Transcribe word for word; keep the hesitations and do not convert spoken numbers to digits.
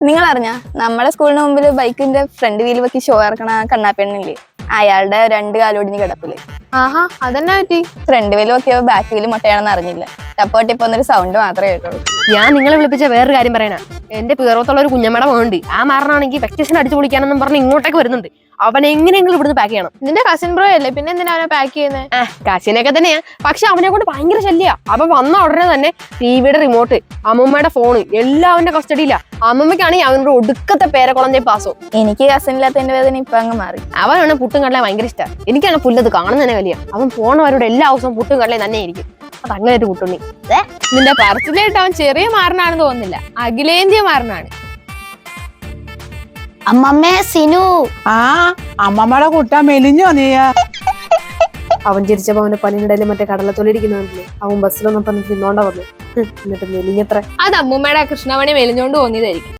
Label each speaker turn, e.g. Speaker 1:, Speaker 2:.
Speaker 1: നിങ്ങൾ അറിഞ്ഞ നമ്മുടെ സ്കൂളിന് മുമ്പിൽ ബൈക്കിന്റെ ഫ്രണ്ട് വീല് വെക്കി ഷോ ഇറക്കണ കണ്ണാപ്പെണ്ണില്ലേ, അയാളുടെ രണ്ട് കാലോടിഞ്ഞ് കിടപ്പില്.
Speaker 2: ആഹാ, അതെന്നാ പറ്റി?
Speaker 1: ഫ്രണ്ട് വീല് വെക്കിയപ്പോ ബാക്ക് വീല് മുട്ടയാണെന്ന് അറിഞ്ഞില്ല. ടപ്പോട്ടിപ്പോ ഒന്നൊരു സൗണ്ട് മാത്രമേ കേട്ടുള്ളൂ.
Speaker 3: ഞാൻ നിങ്ങളെ വിളിപ്പിച്ച വേറൊരു കാര്യം പറയാനാ. എന്റെ പേറത്തുള്ള ഒരു കുഞ്ഞമ്മയുടെ മോണ്ട് ആ മാറനാണെങ്കിൽ വെക്കേഷൻ അടിച്ചു പൊളിക്കാനെന്നും പറഞ്ഞ് ഇങ്ങോട്ടേക്ക് വരുന്നുണ്ട്. അവൻ എങ്ങനെയെങ്കിലും ഇവിടുന്ന് പാക്ക് ചെയ്യണം.
Speaker 2: നിന്റെ കസിൻ ബ്രോ അല്ലേ, പിന്നെ എന്തിനാ അവനെ പാക്ക് ചെയ്യുന്നത്?
Speaker 3: ആ കസിനൊക്കെ തന്നെയാ, പക്ഷെ അവനെ കൊണ്ട് ഭയങ്കര ശല്യ. അവൻ വന്ന ഉടനെ തന്നെ ടിവിയുടെ റിമോട്ട്, അമ്മമ്മയുടെ ഫോണ് എല്ലാം അവന്റെ കസ്റ്റഡിയില്ല. അമ്മമ്മയ്ക്കാണെങ്കിൽ അവനോട് ഒടുക്കത്തെ പേരെ കുളഞ്ഞ പാസോ.
Speaker 1: എനിക്ക് കസിൻ ഇല്ലാത്തതിന്റെ വേദന ഇപ്പൊ അങ്ങ് മാറി.
Speaker 3: അവനാണ് പുട്ടും കടല ഭയങ്കര ഇഷ്ടമാണ്. എനിക്കാണ് പുല്ലത് കാണുന്ന തന്നെ വലിയ. അവൻ പോണവരോട് എല്ലാ ദിവസവും പുട്ടും കടലയും തന്നെ ആയിരിക്കും. അത് അങ്ങനെ ഒരു പുട്ടുണ്ണി.
Speaker 2: നിന്റെ പറച്ചിലായിട്ട് അവൻ ചെറിയ മാറനാണെന്ന് തോന്നുന്നില്ല, അഖിലേന്ത്യ മാറനാണ്.
Speaker 4: അമ്മമ്മേ സിനു.
Speaker 5: ആ അമ്മമ്മയുടെ കുട്ട മെലിഞ്ഞോ നീ?
Speaker 3: അവൻ ചിരിച്ചപ്പോ അവന്റെ പനിയിടയില് മറ്റേ കടലത്തൊലിരിക്കുന്നില്ലേ, അവൻ ബസ്സിലൊന്നും പറഞ്ഞ് തിന്നോണ്ട വന്നു. എന്നിട്ട് മെലിഞ്ഞത്ര.
Speaker 2: അത് അമ്മൂമ്മയുടെ കൃഷ്ണമണി മെലിഞ്ഞോണ്ട് തോന്നിയതായിരിക്കും.